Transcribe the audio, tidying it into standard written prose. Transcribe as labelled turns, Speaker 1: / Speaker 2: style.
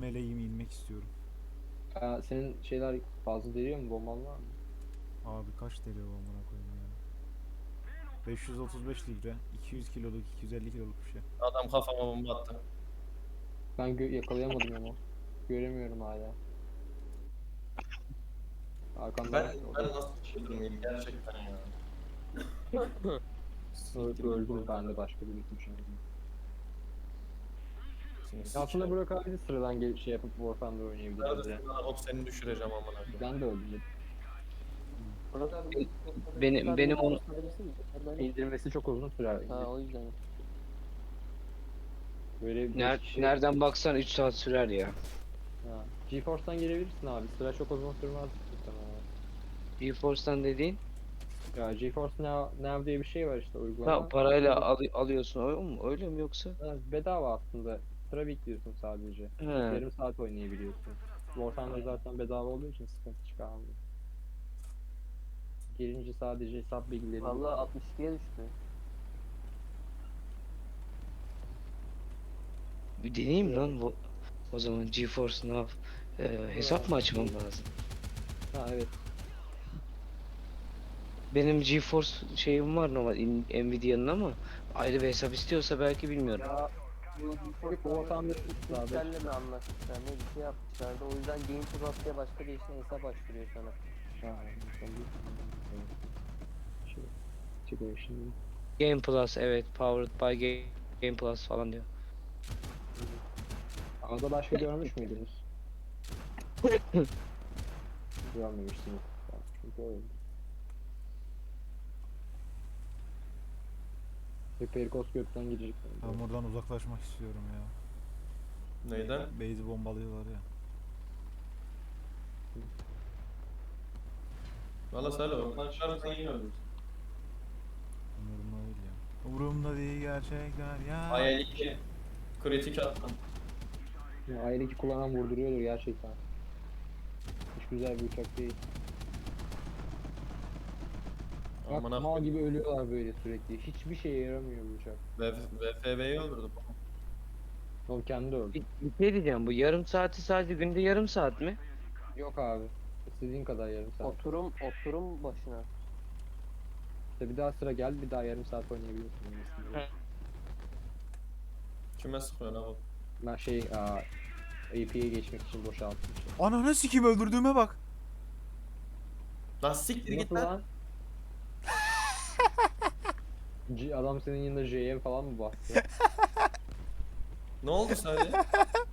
Speaker 1: AVM'leyim inmek istiyorum.
Speaker 2: Senin şeyler fazla veriyor mu? Bomban var mı?
Speaker 1: Abi kaç TL o amına koyayım ya. 535 litre, 200 kiloluk, 250 kiloluk bir şey.
Speaker 3: Adam kafama bomba attı.
Speaker 2: Ben yakalayamadım ama. Göremiyorum hala. Arkamdan o
Speaker 3: Ben
Speaker 2: da
Speaker 3: nasıl çıldırmayayım gerçekten ya. Siktir git
Speaker 2: öldüm,
Speaker 3: oradan.
Speaker 2: ben de başka bir bitmişim.
Speaker 3: Seni
Speaker 2: Aslında
Speaker 3: sikeyim.
Speaker 2: Burak abi de sıradan şey yapıp War Thunder oynayabiliriz ya.
Speaker 3: Neredesin lan? Hop seni düşüreceğim amına koyayım.
Speaker 2: Ben de öldüm.
Speaker 4: Burak abi
Speaker 5: Benim onu
Speaker 2: İndirmesi çok uzun sürer.
Speaker 4: Ha o yüzden.
Speaker 2: Böyle bir kişi...
Speaker 5: nereden baksan 3 saat sürer ya.
Speaker 2: Ha. GeForce'dan gelebilirsin abi. Sıra çok uzun sürmez muhtemelen.
Speaker 5: GeForce'dan dediğin
Speaker 2: Ya GeForce Now diye bir şey var işte uygulama.
Speaker 5: parayla alıyorsun öyle mi? Öyle mi yoksa?
Speaker 2: Ha, bedava aslında. Sıra bekliyorsun sadece.
Speaker 5: He.
Speaker 2: Yarım saat oynayabiliyorsun. War Thunder zaten bedava olduğu için sıkıntı çıkarmıyor. Girince sadece hesap bilgileri...
Speaker 4: Valla 62'ye düştü.
Speaker 5: Bir deneyeyim lan bu. O zaman GeForce Now hesap mı açmam lazım?
Speaker 2: Ha evet.
Speaker 5: Benim GeForce şeyim var normal Nvidia'nın ama ayrı bir hesap istiyorsa belki bilmiyorum.
Speaker 4: Ya bu
Speaker 2: Yok,
Speaker 4: GeForce
Speaker 2: ortamda abi.
Speaker 4: Intel'le mi anlaşmışlar ne bir şey yapmışlardı. O yüzden Game Plus diye başka bir işine hesap açtırıyor sana.
Speaker 2: Ha, şey, çıkıyor şimdi.
Speaker 5: Game Plus evet powered by Game Plus falan diyor.
Speaker 2: Arada başka görmüş müydünüz? Görmemişsiniz. Çünkü öyle. Perikos gökten gidecek.
Speaker 1: Ben buradan uzaklaşmak istiyorum ya.
Speaker 3: Neyden?
Speaker 1: Base'i bombalıyorlar ya.
Speaker 3: Valla söyle oradan çıkarırsan yine ölürsün.
Speaker 1: Umurumda değil ya. Umurumda değil gerçekler ya.
Speaker 3: Hayal 2. Kritik attım.
Speaker 2: Ya, aile ki kullanan vurduruyordur gerçekten. Hiç güzel bir uçak değil. Bak
Speaker 3: Amına
Speaker 2: mal
Speaker 3: koyayım.
Speaker 2: gibi ölüyorlar böyle sürekli. Hiçbir şeye yaramıyor bu uçak.
Speaker 3: VFV'yi öldürdüm.
Speaker 2: O kendi öldü.
Speaker 5: Bir şey diyeceğim bu yarım saati sadece günde yarım saat mi?
Speaker 2: Yok abi. İstediğin kadar yarım saat.
Speaker 4: Oturum başına.
Speaker 2: İşte bir daha sıra gel, bir daha yarım saat oynayabiliyorsun.
Speaker 5: He.
Speaker 3: Kime sıkıyorsun abi?
Speaker 2: Ben AP'ye geçmek için boşalttım.
Speaker 1: Ananı sikim öldürdüğüme bak.
Speaker 3: Lan siktir git
Speaker 2: Nasıl
Speaker 3: lan.
Speaker 2: lan? Adam senin yanında JM falan mı bastı?
Speaker 3: Ne oldu sadece?